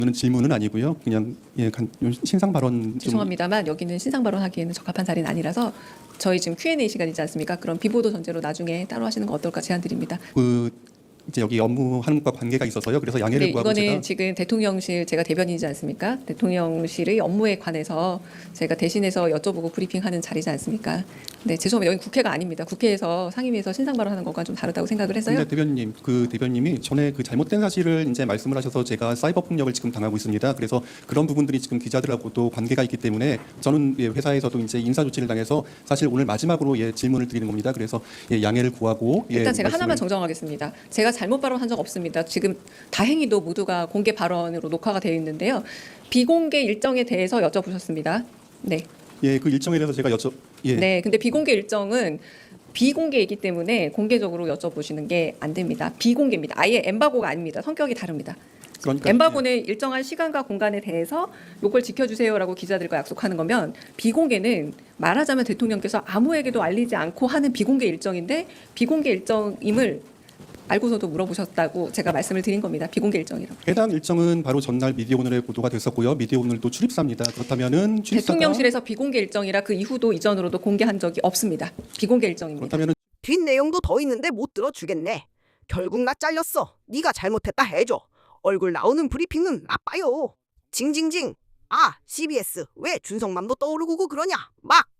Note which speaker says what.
Speaker 1: 는 질문은 아니고요. 그냥 신상 발언 좀.
Speaker 2: 죄송합니다만 여기는 신상 발언하기에는 적합한 자리는 아니라서 저희 지금 Q&A 시간이지 않습니까? 그럼 비보도 전제로 나중에 따로 하시는 거 어떨까 제안드립니다.
Speaker 1: 이제 여기 업무하는 것과 관계가 있어서요. 그래서 양해를
Speaker 2: 네,
Speaker 1: 구하고
Speaker 2: 이거는
Speaker 1: 제가
Speaker 2: 지금 대통령실 제가 대변인이지 않습니까? 대통령실의 업무에 관해서 제가 대신해서 여쭤보고 브리핑하는 자리지 않습니까? 네, 죄송합니다. 여기 국회가 아닙니다. 국회에서 상임위에서 신상 발언하는 것과 좀 다르다고 생각을 해서요.
Speaker 1: 근데 대변인님, 대변님이 전에 그 잘못된 사실을 이제 말씀을 하셔서 제가 사이버 폭력을 지금 당하고 있습니다. 그래서 그런 부분들이 지금 기자들하고도 관계가 있기 때문에 저는 회사에서도 이제 인사 조치를 당해서 사실 오늘 마지막으로 질문을 드리는 겁니다. 그래서 양해를 구하고
Speaker 2: 일단 제가 하나만 정정하겠습니다. 제가 잘못 발언한 적 없습니다. 지금 다행히도 모두가 공개 발언으로 녹화가 되어 있는데요. 비공개 일정에 대해서 여쭤보셨습니다. 네.
Speaker 1: 그 일정에 대해서 제가
Speaker 2: 네, 근데 비공개 일정은 비공개이기 때문에 공개적으로 여쭤보시는 게 안 됩니다. 비공개입니다. 아예 엠바고가 아닙니다. 성격이 다릅니다.
Speaker 1: 그러니까
Speaker 2: 엠바고는 일정한 시간과 공간에 대해서 요걸 지켜주세요라고 기자들과 약속하는 거면 비공개는 말하자면 대통령께서 아무에게도 알리지 않고 하는 비공개 일정인데 비공개 일정임을 알고서도 물어보셨다고 제가 말씀을 드린 겁니다. 비공개 일정이라고.
Speaker 1: 해당 일정은 바로 전날 미디어오늘에 보도가 됐었고요. 미디어오늘도 출입사입니다. 그렇다면은
Speaker 2: 대통령실에서 비공개 일정이라 그 이후도 이전으로도 공개한 적이 없습니다. 비공개 일정입니다.
Speaker 1: 그렇다면은
Speaker 3: 뒷내용도 더 있는데 못 들어주겠네. 결국 나 잘렸어. 네가 잘못했다 해줘. 얼굴 나오는 브리핑은 나빠요. 징징징. 아, CBS 왜 준성맘도 떠오르고 그러냐. 막.